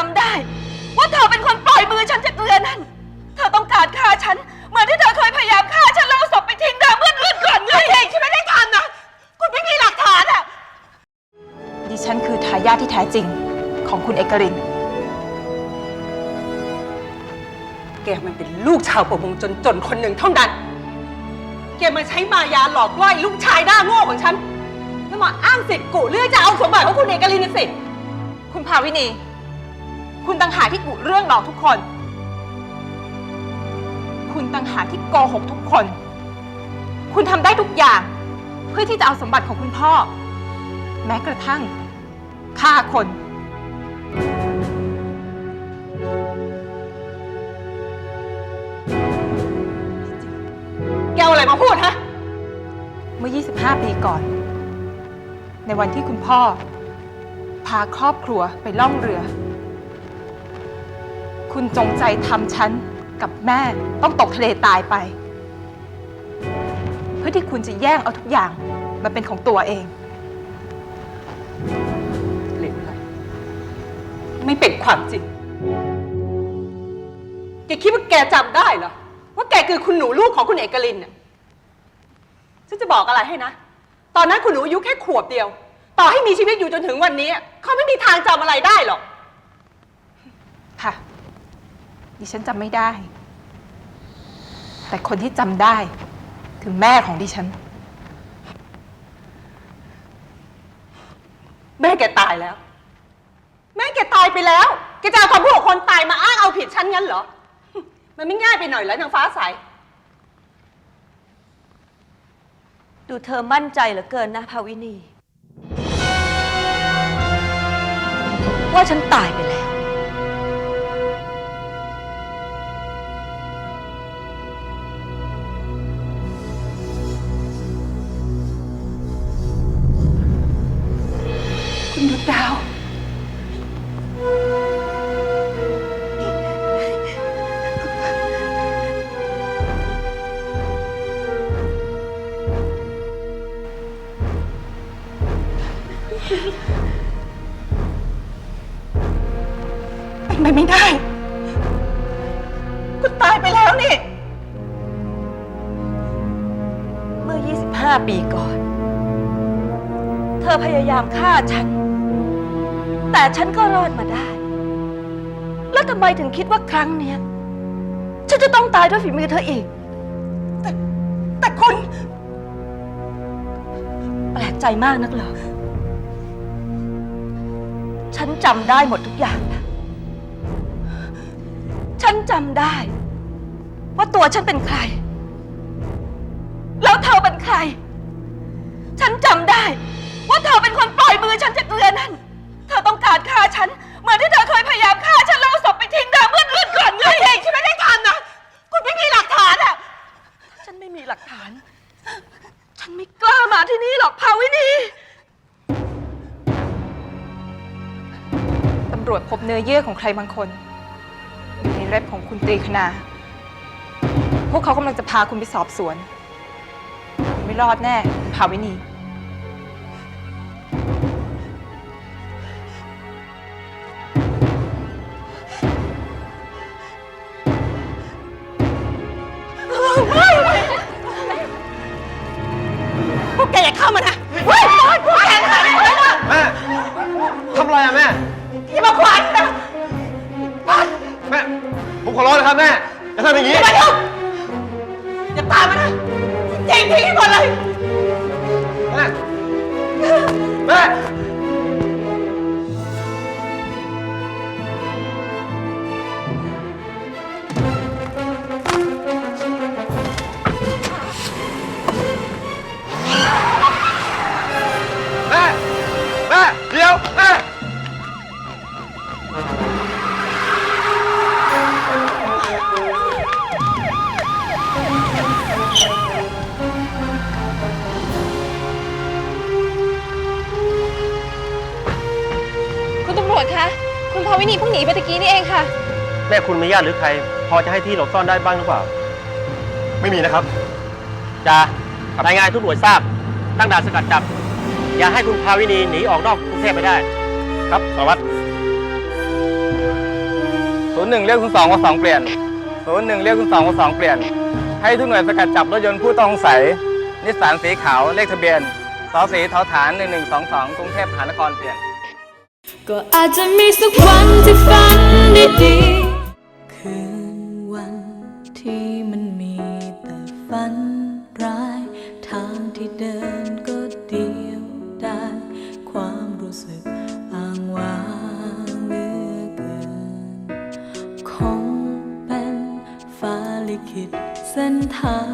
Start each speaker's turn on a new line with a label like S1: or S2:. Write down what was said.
S1: ำได้ว่าเธอเป็นคนปล่อยมือฉันจากเรือนั้นเธอต้องการฆ่าฉันเหมือนที่เธอเคยพยายามฆ่าฉันแล้วเอาศพไปทิ้งน้ำเมื่อเดือนก่อนไงเองฉันไม่ได้ทำนะคุณไม่มีหลักฐานอ่ะดิฉันคือทายาทที่แท้จริงของคุณเอกริน
S2: แกมันเป็นลูกชาวประมงจนคนหนึ่งเท่านั้นแกมาใช้มายาหลอกล่อลูกชายหน้าโง่ของฉันแล้วมาอ้างสิทธิ์กูเรื่องจะเอาสมบัติของคุณเอกลินสิ
S1: คุณภาวินีคุณต่างหากที่กุเรื่องหลอกทุกคนคุณต่างหากที่โกหกทุกคนคุณทำได้ทุกอย่างเพื่อที่จะเอาสมบัติของคุณพ่อแม้กระทั่งฆ่าคน
S2: แกเอาอะไรมาพูดฮะ
S1: เมื่อ 25 ปีก่อนในวันที่คุณพ่อพาครอบครัวไปล่องเรือคุณจงใจทำฉันกับแม่ต้องตกทะเลตายไปเพื่อที่คุณจะแย่งเอาทุกอย่างมาเป็นของตัวเอง
S2: เหลวไหลไม่เป็นความจริงแกคิดว่าแกจำได้เหรอว่าแกคือคุณหนูลูกของคุณเอกลินเนี่ยฉันจะบอกอะไรให้นะตอนนั้นคุณหนูอายุแค่ขวบเดียวต่อให้มีชีวิตอยู่จนถึงวันนี้เขาไม่มีทางจำอะไรได้หรอก
S1: ค่ะดิฉันจำไม่ได้แต่คนที่จำได้คือแม่ของดิฉัน
S2: แม่แกตายแล้วแม่แกตายไปแล้วแกจะเอาคำพูดของคนตายมาอ้างเอาผิดฉันงั้นเหรอมันไม่ง่ายไปหน่อยเหรอนางฟ้าใส
S3: ดูเธอมั่นใจเหลือเกินนะภาวินีว่าฉันตายไปแล้ว
S2: คุณดวงดาวเป็นไปไม่ได้คุณตายไปแล้วนี่
S3: เมื่อ 25 ปีก่อนเธอพยายามฆ่าฉันแต่ฉันก็รอดมาได้แล้วทำไมถึงคิดว่าครั้งเนี้ยฉันจะต้องตายด้วยฝีมือเธออีก
S2: แต่คุณ
S3: แปลกใจมากนักเหรอฉันจำได้หมดทุกอย่างนะฉันจำได้ว่าตัวฉันเป็นใครแล้วเธอเป็นใครฉันจำได้ว่าเธอเป็นคนปล่อยมือฉันจากเรือนั้นเธอต้องการฆ่าฉันเหมือนที่เธอเคยพยายามฆ่าฉันแล้วเอาศพไปทิ้งน้ำเมื่อเดือนก่อนไงเองฉันไม่ได้ทำนะคุณไม่มีหลักฐานอ่ะฉันไม่มีหลักฐานฉันไม่กล้ามาที่นี่หรอกภาวินี
S1: ตำรวจพบเนื้อเยื่อของใครบางคนอยู่ในเล็บของคุณตรีคณาพวกเขากำลังจะพาคุณไปสอบสวนไม่รอดแน่ภาวินี
S2: พวกแกอย่าเข้ามานะพวกแกทำอะไรนะ
S4: แม่ทำอะไรอะแม่
S2: อย่ามาขวางนะ
S4: แม่ผมขอร้องนะครับแม่อย่าทำอย่างนี้
S2: อย่ามายุ่งอย่าตามมานะเจ๊งทิ้งให้หมดเลย
S4: แม่แม่เดี๋ยวแม่
S1: คุณตำรวจคะคุณภาวินีเพิ่งหนีไปตะกี้นี่เองค่ะ
S4: แม่คุณมีญาติหรือใครพอจะให้ที่หลบซ่อนได้บ้างหรือเปล่าไม่มีนะครับจ่ารายงานทุกหน่วยทราบตั้งด่านสกัดจับอย่าให้คุณภาวินีหนีออกนอกกรุงเทพไปได้ครับสารวัตร
S5: 01เรียก02ว่า2เปลี่ยน01เรียก02ว่า2เปลี่ยนให้ทุกหน่วยสกัดจับรถยนต์ผู้ต้องสงสัยนิสสันสีขาวเลขทะเบียนสสีทฐาน1122กรุงเทพมหานครเปลี่ยน
S6: ก็อาจจะมีสักวันที่ฝันดีๆคืนวันที่มันมีแต่ฝันร้ายทางที่เดินก็เดียวดายความรู้สึกอ้างว้างเหลือเกินคงเป็นฟ้าลิขิตเส้นทาง